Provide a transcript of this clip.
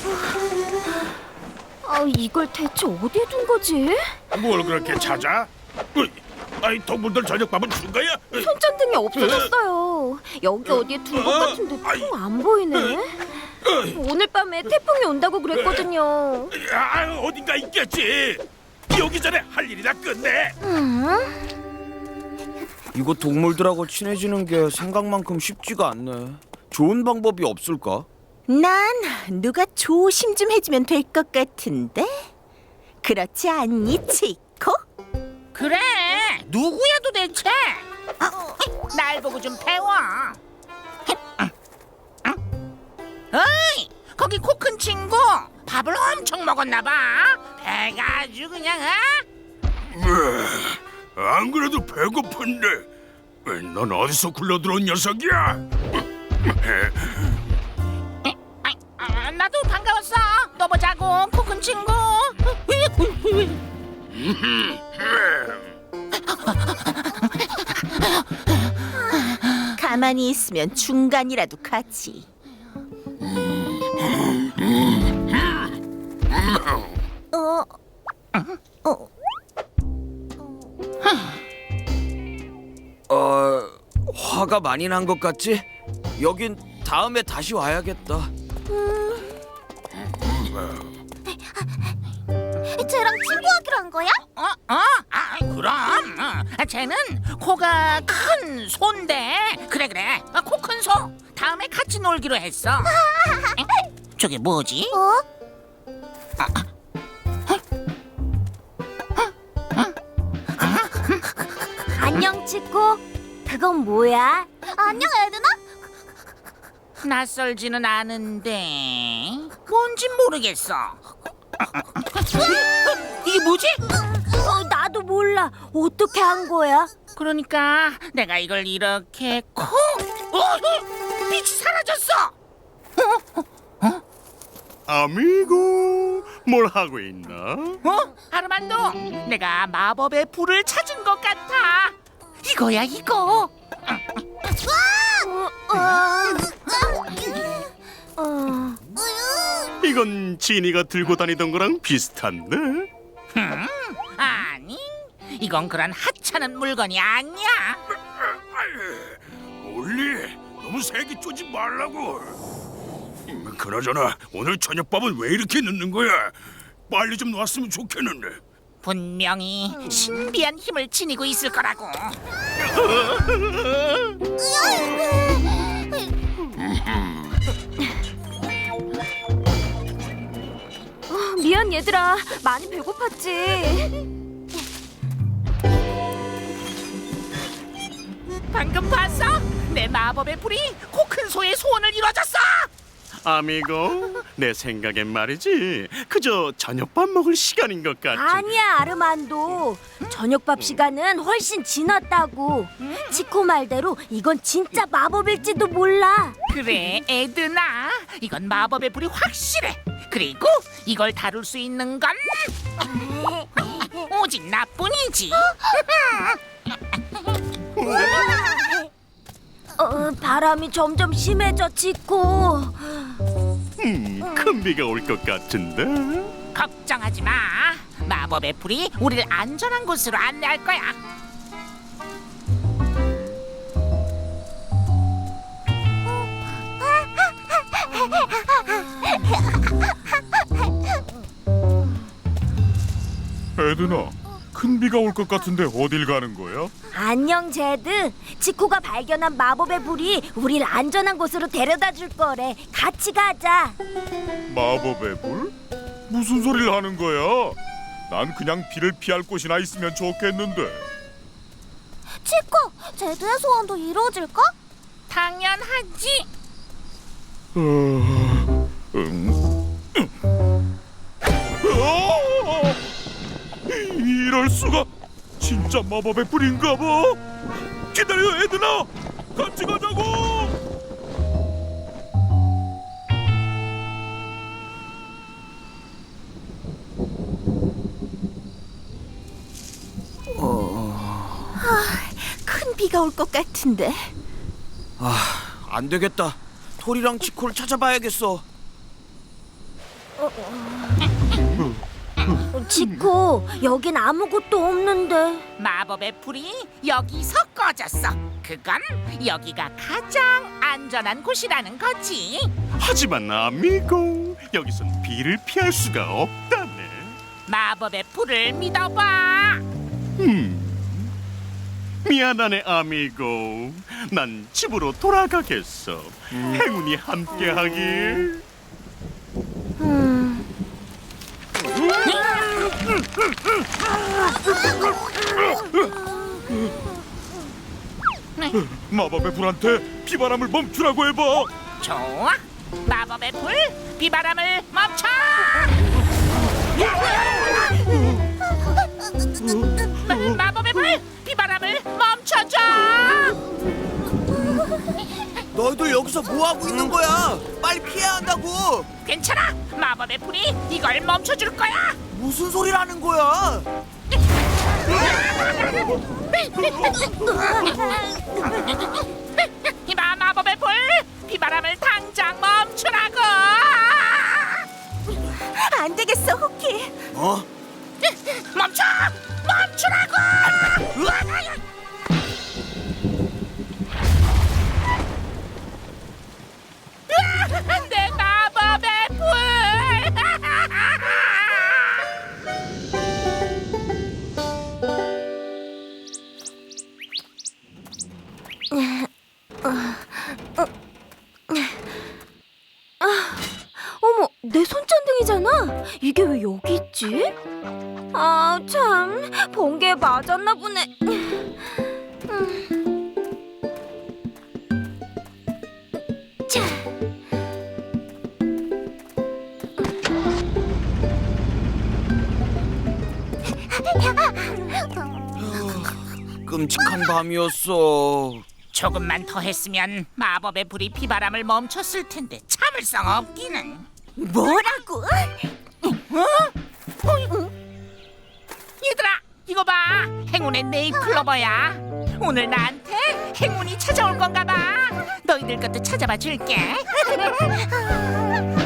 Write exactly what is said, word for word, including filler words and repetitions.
아, 이걸 대체 어디에 둔 거지? 뭘 그렇게 찾아? 으이, 아이 동물들 저녁밥은 준 거야? 으이, 손전등이 없어졌어요. 여기 어디에 둔 것 같은데 통 안 보이네. 오늘 밤에 태풍이 온다고 그랬거든요. 아, 어딘가 있겠지. 오기 전에 할 일이나 끝내. 이거 동물들하고 친해지는 게 생각만큼 쉽지가 않네. 좋은 방법이 없을까? 난 누가 조심 좀 해주면 될 것 같은데? 그렇지 않니, 치코? 그래, 누구야 도대체? 날 보고 좀 배워. 어이, 거기 코 큰 친구 밥을 엄청 먹었나 봐. 배가 아주 그냥 어? 안 그래도 배고픈데. 으이, 넌 어디서 굴러들어온 녀석이야? 아, 아, 나도 반가웠어. 또 보자고, 코 큰 친구. 가만히 있으면 중간이라도 가지. 어, 어, 어... 화가 많이 난 것 같지? 여긴 다음에 다시 와야겠다. 쟤랑 친구하기로 한 거야? 어? 어? 아, 그럼. 어. 쟤는 코가 큰 소인데. 그래 그래. 코 큰 소. 다음에 같이 놀기로 했어. 에? 저게 뭐지? 어? 안녕, 치코. 그건 뭐야? 안녕, 에드나? 낯설지는 않은데 뭔진 모르겠어. 이게 뭐지? 어, 나도 몰라. 어떻게 한 거야? 그러니까 내가 이걸 이렇게 콕. 어, 빛이 사라졌어. 아미고, 뭘 하고 있나? 어? 아르만도, 내가 마법의 불을 찾은 것 같아. 이거야 이거. 어, 어. 이건 지니가 들고 다니던 거랑 비슷한데? 음, 아니, 이건 그런 하찮은 물건이 아니야. 올리, 너무 세게 쪼지 말라고. 음, 그나저나 오늘 저녁밥은 왜 이렇게 늦는 거야? 빨리 좀 놨으면 좋겠는데. 분명히 신비한 힘을 지니고 있을 거라고. 미안, 얘들아. 많이 배고팠지. 방금 봤어? 내 마법의 불이 코 큰 소의 소원을 이뤄줬어. 아미고, 내 생각엔 말이지 그저 저녁밥 먹을 시간인 것 같지. 아니야, 아르만도. 저녁밥 시간은 훨씬 지났다고. 치코 말대로 이건 진짜 마법일지도 몰라. 그래, 에드나. 이건 마법의 불이 확실해. 그리고 이걸 다룰 수 있는 건 오직 나뿐이지. 어, 바람이 점점 심해져, 치코. 음, 큰 비가 올 것 같은데. 걱정하지 마. 마법의 불이 우리를 안전한 곳으로 안내할 거야. 에드나, 큰 비가 올 것 같은데 어딜 가는 거야? 안녕, 제드. 치코가 발견한 마법의 불이 우리를 안전한 곳으로 데려다 줄 거래. 같이 가자. 마법의 불? 무슨 소리를 하는 거야? 난 그냥 비를 피할 곳이나 있으면 좋겠는데. 치코, 제드의 소원도 이루어질까? 당연하지. 어... 음... 어! 이럴 수가! 진짜 마법의 불인가 봐. 기다려, 에드나. 같이 가자고. 큰 비가 올 것 같은데. 아, 안 되겠다. 토리랑 치코를 찾아봐야겠어. 지코, 여긴 아무것도 없는데. 마법의 불이 여기서 꺼졌어. 그건 여기가 가장 안전한 곳이라는 거지. 하지만 아미고, 여기선 비를 피할 수가 없다네. 마법의 불을 믿어봐. 미안하네 아미고. 난 집으로 돌아가겠어. 행운이 함께하길. 음. 마법의 불한테 비바람을 멈추라고 해봐. 좋아. 마법의 불, 비바람을 멈춰. 마, 마법의 불, 비바람을 멈춰줘. 너희들 여기서 뭐 하고 있는 거야? 빨리 피해야 한다고. 괜찮아. 마법의 불이 이걸 멈춰줄 거야. 무슨 소리라는 거야? 마 마법의 불, 비바람을 당장 멈추라고. 안 되겠어, 호키. 어? 멈춰! 멈추라고! 내 마법의 불! 어머, 내 손전등이잖아. 이게 왜 여기 있지? 아, 참, 번개에 맞았나 보네. 음. 자. 끔찍한 밤이었어. 조금만 더 했으면 마법의 불이 비바람을 멈췄을 텐데 참을성 없기는. 뭐라고? 얘들아, 이거 봐. 행운의 네잎클로버야. 오늘 나한테 행운이 찾아올 건가 봐. 너희들 것도 찾아봐 줄게.